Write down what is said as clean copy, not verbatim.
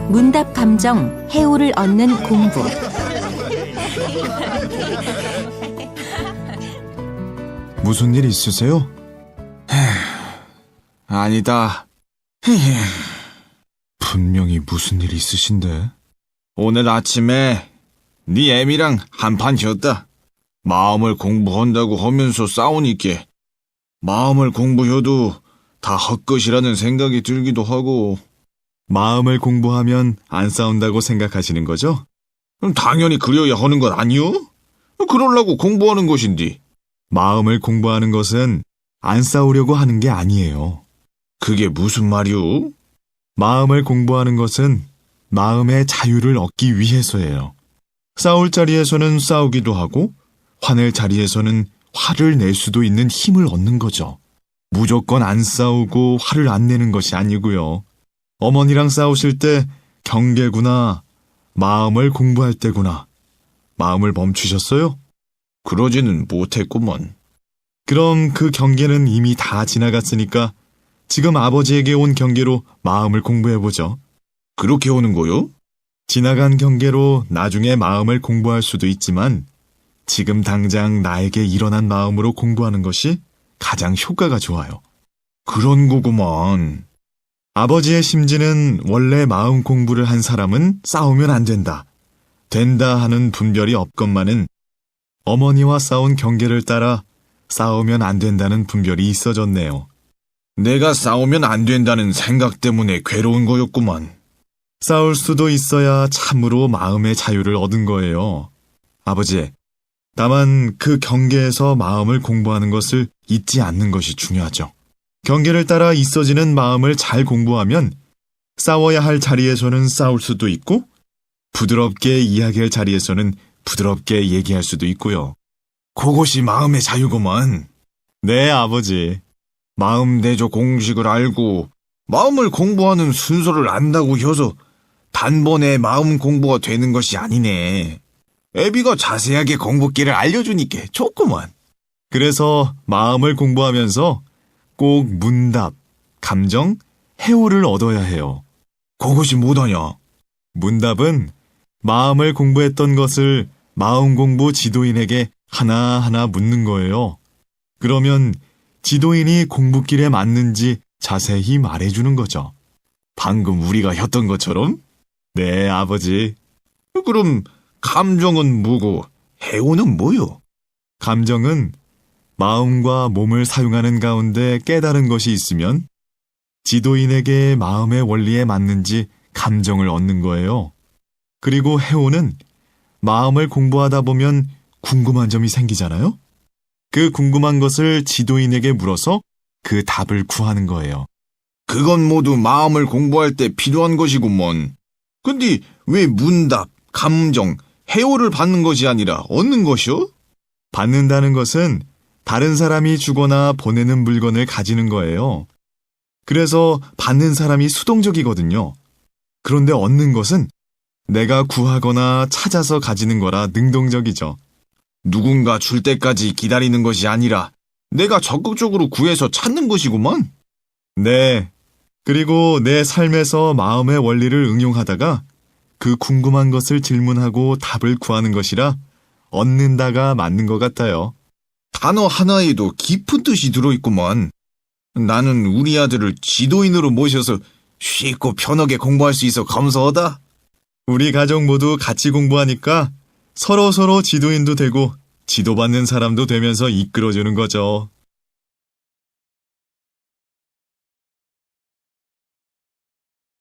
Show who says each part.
Speaker 1: 문답 감정, 해오를 얻는 공부.
Speaker 2: 무슨 일 있으세요? 아니다. 분명히 무슨 일 있으신데. 오늘 아침에 네 애미랑 한판 졌다. 마음을 공부한다고 하면서 싸우니까 마음을 공부해도 다 헛것이라는 생각이 들기도 하고. 마음을 공부하면 안 싸운다고 생각하시는 거죠? 당연히 그려야 하는 건 아니요? 그러려고 공부하는 것인데. 마음을 공부하는 것은 안 싸우려고 하는 게 아니에요. 그게 무슨 말이오? 마음을 공부하는 것은 마음의 자유를 얻기 위해서예요. 싸울 자리에서는 싸우기도 하고 화낼 자리에서는 화를 낼 수도 있는 힘을 얻는 거죠. 무조건 안 싸우고 화를 안 내는 것이 아니고요. 어머니랑 싸우실 때 경계구나, 마음을 공부할 때구나. 마음을 멈추셨어요? 그러지는 못했구먼. 그럼 그 경계는 이미 다 지나갔으니까 지금 아버지에게 온 경계로 마음을 공부해보죠. 그렇게 오는 거요? 지나간 경계로 나중에 마음을 공부할 수도 있지만 지금 당장 나에게 일어난 마음으로 공부하는 것이 가장 효과가 좋아요. 그런 거구만. 아버지의 심지는 원래 마음 공부를 한 사람은 싸우면 안 된다, 된다 하는 분별이 없건만은 어머니와 싸운 경계를 따라 싸우면 안 된다는 분별이 있어졌네요. 내가 싸우면 안 된다는 생각 때문에 괴로운 거였구만. 싸울 수도 있어야 참으로 마음의 자유를 얻은 거예요. 아버지, 다만 그 경계에서 마음을 공부하는 것을 잊지 않는 것이 중요하죠. 경계를 따라 있어지는 마음을 잘 공부하면 싸워야 할 자리에서는 싸울 수도 있고 부드럽게 이야기할 자리에서는 부드럽게 얘기할 수도 있고요. 그것이 마음의 자유구만. 네, 아버지. 마음 대조 공식을 알고 마음을 공부하는 순서를 안다고 해서 단번에 마음 공부가 되는 것이 아니네. 애비가 자세하게 공부기를 알려주니까 좋구만. 그래서 마음을 공부하면서 꼭 문답, 감정, 해오를 얻어야 해요. 그것이 뭐더냐? 문답은 마음을 공부했던 것을 마음 공부 지도인에게 하나하나 묻는 거예요. 그러면 지도인이 공부길에 맞는지 자세히 말해주는 거죠. 방금 우리가 했던 것처럼? 네, 아버지. 그럼 감정은 뭐고 해오는 뭐요? 감정은 마음과 몸을 사용하는 가운데 깨달은 것이 있으면 지도인에게 마음의 원리에 맞는지 감정을 얻는 거예요. 그리고 해오는 마음을 공부하다 보면 궁금한 점이 생기잖아요? 그 궁금한 것을 지도인에게 물어서 그 답을 구하는 거예요. 그건 모두 마음을 공부할 때 필요한 것이구먼. 근데 왜 문답, 감정, 해오를 받는 것이 아니라 얻는 것이요? 받는다는 것은 다른 사람이 주거나 보내는 물건을 가지는 거예요. 그래서 받는 사람이 수동적이거든요. 그런데 얻는 것은 내가 구하거나 찾아서 가지는 거라 능동적이죠. 누군가 줄 때까지 기다리는 것이 아니라 내가 적극적으로 구해서 찾는 것이구만. 네. 그리고 내 삶에서 마음의 원리를 응용하다가 그 궁금한 것을 질문하고 답을 구하는 것이라 얻는다가 맞는 것 같아요. 단어 하나에도 깊은 뜻이 들어있구만. 나는 우리 아들을 지도인으로 모셔서 쉽고 편하게 공부할 수 있어 감사하다. 우리 가족 모두 같이 공부하니까 서로서로 지도인도 되고 지도받는 사람도 되면서 이끌어주는 거죠.